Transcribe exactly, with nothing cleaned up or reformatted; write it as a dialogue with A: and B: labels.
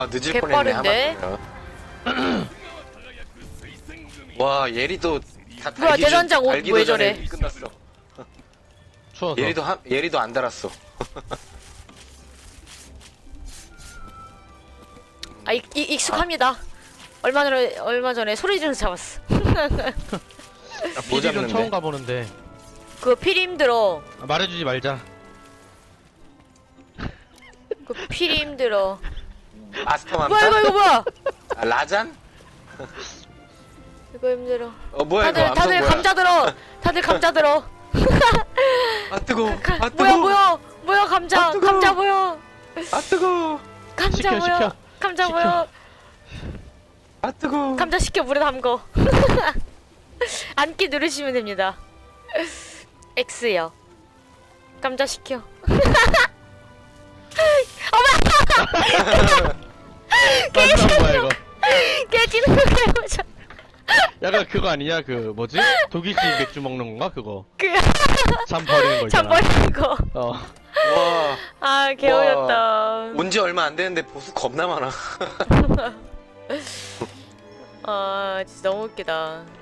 A: 아, 늦을 뻔했네.
B: 개빠른데?
A: 하마터면. 와, 예리도 다
B: 뭐야,
A: 달기
B: 대전장
A: 전-
B: 옷
A: 달기도
B: 왜
A: 전에
B: 저래?
A: 끝났어.
C: 추워서.
A: 예리도 한 예리도 안 달았어.
B: 아, 익, 익, 익숙합니다. 얼마 전에 얼마 전에 소리 지르면서 잡았어.
A: 뭐
C: 피디는
A: 잡는데?
C: 처음 가보는데.
B: 그거 필이 힘들어.
C: 아, 말해주지 말자.
B: 그 필이 힘들어.
A: 마스터
B: 뭐야
A: 맘타?
B: 이거 이거 뭐야?
A: 아, 라잔?
B: 이거 힘들어.
A: 어 뭐야
B: 다들
A: 이거 암석
B: 다들
A: 뭐야?
B: 감자 들어. 다들 감자 들어.
A: 아 뜨거.
B: 가,
A: 아 뜨거.
B: 뭐야 뭐야 뭐야 감자
A: 아, 뜨거.
B: 감자 뭐야?
A: 아 뜨거.
B: 감자
C: 시켜,
B: 뭐야?
C: 시켜.
B: 감자
C: 시켜.
B: 뭐야?
A: 아 뜨거.
B: 감자 시켜 물에 담궈. 앉기 누르시면 됩니다. X요. 감자 시켜.
C: 마지막 뭐야 이거?
B: 깨지는 거 해보자.
C: 약간 그거 아니냐 그 뭐지? 독일식 맥주 먹는 건가 그거?
B: 그
C: 잠 버리는 거
B: 참
C: 있잖아.
B: 버리는 거.
C: 어.
A: 와.
B: 아 개어였다.
A: 온지 얼마 안 됐는데 보수 겁나 많아.
B: 아 진짜 너무 웃기다.